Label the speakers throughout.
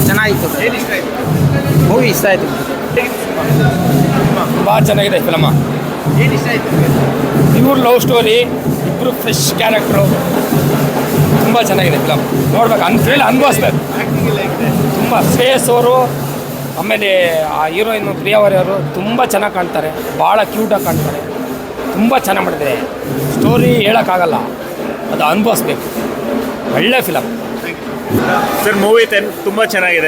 Speaker 1: ಚೆನ್ನಾಗಿತ್ತು.
Speaker 2: ಏನು ಇಷ್ಟ ಆಯಿತು?
Speaker 1: ಮೂವಿ ಇಷ್ಟ ಆಯಿತು.
Speaker 3: ತುಂಬ ಚೆನ್ನಾಗಿದೆ ಫಿಲಮ.
Speaker 2: ಏನು ಇಷ್ಟ ಆಯಿತು?
Speaker 3: ಪ್ಯೂರ್ ಲವ್ ಸ್ಟೋರಿ, ಇಬ್ಬರು ಫ್ರೆಶ್ ಕ್ಯಾರೆಕ್ಟ್ರು, ತುಂಬ ಚೆನ್ನಾಗಿದೆ ಫಿಲಮ್. ನೋಡ್ಬೇಕು, ಅನುಭವಿಸ್ಬೇಕು.
Speaker 2: ಆ್ಯಕ್ಟಿಂಗ್ ಎಲ್ಲ ಹೇಗಿದೆ?
Speaker 3: ತುಂಬ ಶ್ರೇಯಸ್ ಅವರು, ಆಮೇಲೆ ಆ ಹೀರೋಯಿನ್ ಪ್ರಿಯಾವರಿ ಅವರು ತುಂಬ ಚೆನ್ನಾಗಿ ಕಾಣ್ತಾರೆ, ಭಾಳ ಕ್ಯೂಟಾಗಿ ಕಾಣ್ತಾರೆ, ತುಂಬ ಚೆನ್ನಾಗಿ ಮಾಡಿದ್ದಾರೆ. ಸ್ಟೋರಿ ಹೇಳೋಕ್ಕಾಗಲ್ಲ, ಅದು ಅನುಭವಿಸ್ಬೇಕು. ಒಳ್ಳೆ ಫಿಲಮ್
Speaker 4: ಸರ್. ಮೂವಿ 10 ತುಂಬ ಚೆನ್ನಾಗಿದೆ.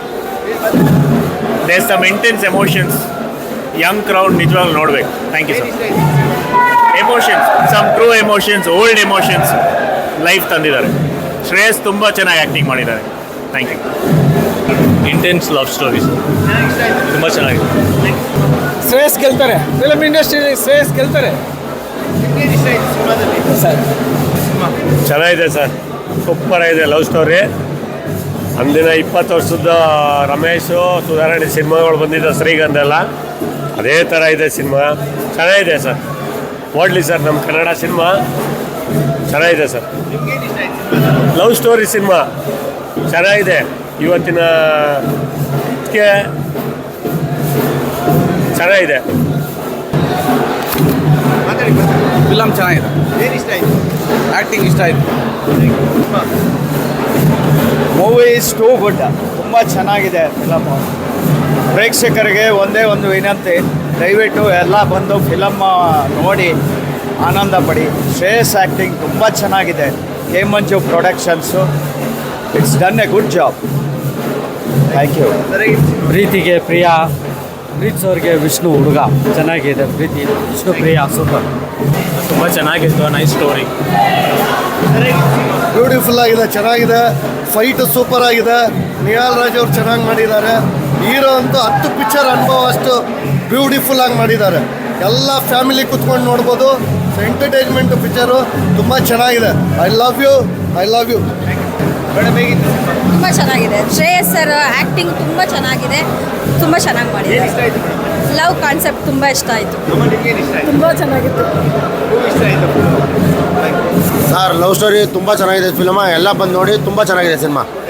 Speaker 4: There some intense emotions. Young crowd ನಿಜವಾಗ್ಲೂ ನೋಡಬೇಕು. Thank you sir. Emotions, some true emotions, old emotions life ತಂದಿದ್ದಾರೆ. ಶ್ರೇಯಸ್ ತುಂಬ ಚೆನ್ನಾಗಿ ಆ್ಯಕ್ಟಿಂಗ್ ಮಾಡಿದ್ದಾರೆ. Thank you. Intense love stories
Speaker 2: ಚೆನ್ನಾಗಿ ಇಷ್ಟ ಆಯಿತು.
Speaker 4: ತುಂಬ ಚೆನ್ನಾಗಿದೆ.
Speaker 3: ಶ್ರೇಯಸ್ ಗೆಲ್ತಾರೆ, ಫಿಲಮ್ ಇಂಡಸ್ಟ್ರಿಯಲ್ಲಿ ಶ್ರೇಯಸ್ ಗೆಲ್ತಾರೆ
Speaker 2: ನಿಮ್ಗೇನು ಇಷ್ಟ ಆಯಿತು ಸಿನಿಮಾದಲ್ಲಿ?
Speaker 3: ಸರ್.
Speaker 4: ಚೆನ್ನಾಗಿದೆ ಸರ್, ಸೂಪರ್ ಆಗಿದೆ ಲವ್ ಸ್ಟೋರಿ. ಅಂದಿನ 20 ವರ್ಷದ ರಮೇಶು ಸುಧಾರಣೆ ಸಿನಿಮಾಗಳು ಬಂದಿದ್ದ ಶ್ರೀಗಂಧ ಎಲ್ಲ ಅದೇ ಥರ ಇದೆ ಸಿನಿಮಾ. ಚೆನ್ನಾಗಿದೆ ಸರ್, ನೋಡಲಿ ಸರ್. ನಮ್ಮ ಕನ್ನಡ ಸಿನಿಮಾ ಚೆನ್ನಾಗಿದೆ ಸರ್.
Speaker 2: ನಿಮ್ಗೇನು ಇಷ್ಟ ಆಯಿತು ಸಿನಿಮಾದಲ್ಲಿ?
Speaker 4: ಲವ್ ಸ್ಟೋರಿ ಸಿನಿಮಾ ಚೆನ್ನಾಗಿದೆ. ಇವತ್ತಿನ ಇದಕ್ಕೆ ಚೆನ್ನಾಗಿದೆ.
Speaker 2: ಮಾತಾಡಿ.
Speaker 1: ಫಿಲಮ್ ಚೆನ್ನಾಗಿದೆ.
Speaker 2: ಏನು ಇಷ್ಟ ಆಯಿತು?
Speaker 1: ಆ್ಯಕ್ಟಿಂಗ್ ಇಷ್ಟ ಆಯಿತು.
Speaker 5: Movie is too good. ತುಂಬ ಚೆನ್ನಾಗಿದೆ ಫಿಲಮ್ಮು. ಪ್ರೇಕ್ಷಕರಿಗೆ ಒಂದೇ ಒಂದು ವಿನಂತಿ, ದಯವಿಟ್ಟು ಎಲ್ಲ ಬಂದು ಫಿಲಮ್ ನೋಡಿ ಆನಂದ ಪಡಿ. ಶ್ರೇಯಸ್ ಆ್ಯಕ್ಟಿಂಗ್ ತುಂಬ ಚೆನ್ನಾಗಿದೆ. K Manju productions, it's done a good job. Thank you.
Speaker 6: ಪ್ರೀತಿಗೆ ಪ್ರಿಯಾ, ಪ್ರೀತಿಸೋರಿಗೆ ವಿಷ್ಣು ಹುಡುಗ. ಚೆನ್ನಾಗಿದೆ. ಪ್ರೀತಿ ವಿಷ್ಣು ಪ್ರಿಯಾ ಸೂಪರ್.
Speaker 4: ತುಂಬ ಚೆನ್ನಾಗಿತ್ತು. Nice story.
Speaker 7: ಬ್ಯೂಟಿಫುಲ್ ಆಗಿದೆ, ಚೆನ್ನಾಗಿದೆ. ಫೈಟು ಸೂಪರ್ ಆಗಿದೆ. ನಿಹಾಲ್ ರಾಜ್ ಅವ್ರು ಚೆನ್ನಾಗಿ ಮಾಡಿದ್ದಾರೆ. ಹೀರೋ ಅಂತೂ 10 ಪಿಕ್ಚರ್ ಅನುಭವ ಅಷ್ಟು ಬ್ಯೂಟಿಫುಲ್ ಆಗಿ ಮಾಡಿದ್ದಾರೆ. ಎಲ್ಲ ಫ್ಯಾಮಿಲಿ ಕುತ್ಕೊಂಡು ನೋಡ್ಬೋದು. ಎಂಟರ್ಟೈನ್ಮೆಂಟ್ ಪಿಕ್ಚರು ತುಂಬ ಚೆನ್ನಾಗಿದೆ. I love you.
Speaker 2: ಮೇಡಮ್ ಹೇಗಿತ್ತು?
Speaker 8: ತುಂಬ ಚೆನ್ನಾಗಿದೆ. ಶ್ರೇಯಸ್ ಸರ್ ಆ್ಯಕ್ಟಿಂಗ್ ತುಂಬ ಚೆನ್ನಾಗಿದೆ, ತುಂಬ ಚೆನ್ನಾಗಿ
Speaker 2: ಏನು
Speaker 8: ಮಾಡಿದ್ದಾರೆ.
Speaker 2: ಇಷ್ಟ ಆಯಿತು ಮೇಡಮ್?
Speaker 8: ಲವ್ ಕಾನ್ಸೆಪ್ಟ್ ತುಂಬ ಇಷ್ಟ ಆಯಿತು.
Speaker 2: ಅಮ್ಮ ನಿಮ್ಗೇನು ಇಷ್ಟ ಆಯಿತು?
Speaker 8: ತುಂಬ ಚೆನ್ನಾಗಿತ್ತು.
Speaker 2: ಮೂವಿ ಇಷ್ಟ ಆಯಿತು?
Speaker 7: ಸರ್ ಲವ್ ಸ್ಟೋರಿ ತುಂಬ ಚೆನ್ನಾಗಿದೆ ಫಿಲ್ಮ. ಎಲ್ಲ ಬಂದು ನೋಡಿ, ತುಂಬ ಚೆನ್ನಾಗಿದೆ ಸಿನಿಮಾ.